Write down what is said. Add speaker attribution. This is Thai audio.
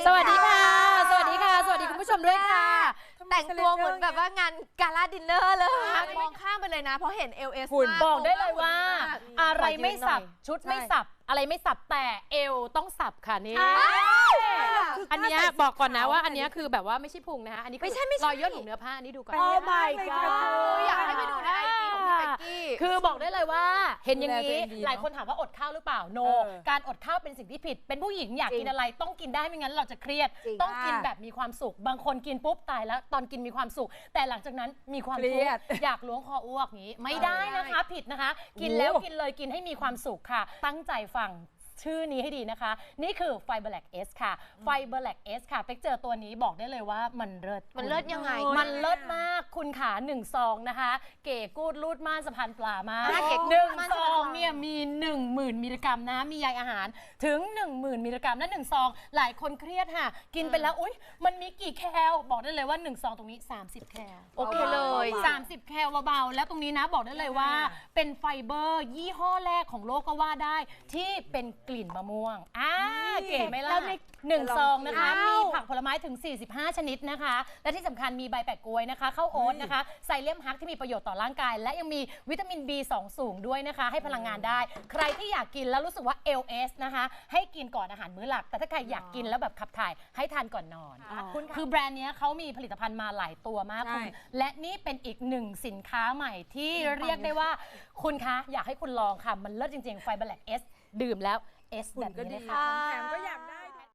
Speaker 1: สวัสดีค่ะสวัสดีค่ะสวัสดีคุณผู้ชมด้วยค่ะ
Speaker 2: แต่งตัวเหมือนแบบว่างานกาลาดินเนอร์เลยมองข้ามไปเลยนะเพราะเห็น LS
Speaker 1: คุณ
Speaker 2: มาก
Speaker 1: บอกได้เลยว่า อะไรไม่สับ
Speaker 3: ขอยืนหน่อย
Speaker 1: ชุดไม่สับ อะไรไม่สับแต่เอวต้องสับค่ะนี่อันเนี้ยบอกก่อนนะว่าอันเนี้ยคือแบบว่าไม่ใช่พุงนะคะอันนี้คือรอยย่นของเนื้อผ้าอันนี้ดูก่อน
Speaker 3: โอ้ my god
Speaker 2: อยากให้ไปดูใน IG ของพี่เป๊กกี้
Speaker 1: คือบอกได้เลยว่าเห็นอย่างนี้
Speaker 3: ดูแลตัวเองดีเนอะ
Speaker 1: หลายคนถามว่าอดข้าวหรือเปล่าโน การอดข้าวเป็นสิ่งที่ผิด เป็นผู้หญิงอยากกินอะไรต้องกินได้ไม่งั้นเราจะเครียด
Speaker 2: จริง
Speaker 1: ต้องกินแบบมีความสุข บางคนกินปุ๊บตายแล้วตอนกินมีความสุข แต่หลังจากนั้นมีความทุกข์อยากล้วงคออ้วกอย่างนี้ ไม่ได้นะคะผิดนะคะ กินแล้วกินเลยกินให้มีความสุขค่ะ ตั้งใจฟังชื่อนี้ให้ดีนะคะ นี่คือ Fiber Lac S ค่ะ Fiber Lac S ค่ะเป๊กเจอตัวนี้บอกได้เลยว่ามันเลิศ
Speaker 2: มันเลิศยังไง
Speaker 1: มันเลิศมากคุณขา1 ซองนะคะ เก๋กูดรูดม่านสะพานปลามาก
Speaker 2: เก๋กูด
Speaker 1: หนึ่ง
Speaker 2: ม่าน
Speaker 1: ซ
Speaker 2: สะพานปลา
Speaker 1: องเนี่ยมี 10,000 มิลลิกรัมนะมีใยอาหารถึง 10,000 มิลลิกรัมและ1 ซอง หลายคนเครียดค่ะ กินไปแล้วอุ๊ยมันมีกี่แคลบอกได้เลยว่า 1 ซองตรงนี้ 30 แคล
Speaker 2: โอเคเลย
Speaker 1: 30 แคลเบาๆแล้วตรงนี้นะบอกได้เลยว่าเป็นไฟเบอร์ยี่ห้อแรกของโลกก็ว่าได้ที่เป็นกลิ่นมะม่วงเก๋ไหมล่ะ1 ซองนะคะมีผักผลไม้ถึง 45 ชนิดนะคะ และที่สำคัญมีใบแปะกล้วยนะคะข้าวโอ๊ตนะคะไซเลียมฮักที่มีประโยชน์ต่อร่างกาย และยังมีวิตามิน B2 สูงด้วยนะคะ ให้พลังงานได้ ใครที่อยากกินแล้วรู้สึกว่า LS นะคะให้กินก่อนอาหารมื้อหลัก แต่ถ้าใครอยากกินแล้วแบบขับถ่ายให้ทานก่อนนอนคือแบรนด์นี้เขามีผลิตภัณฑ์มาหลายตัวมากคุณและนี่เป็นอีกหนึ่งสินค้าใหม่ที่เรียกได้ว่าคุณคะอยากให้คุณลองค่ะมันเลิศจริงๆ Fiber Lac S ดื่มแล้ว S แบบนี้เลยค่ะ
Speaker 3: แถมก็อยากได้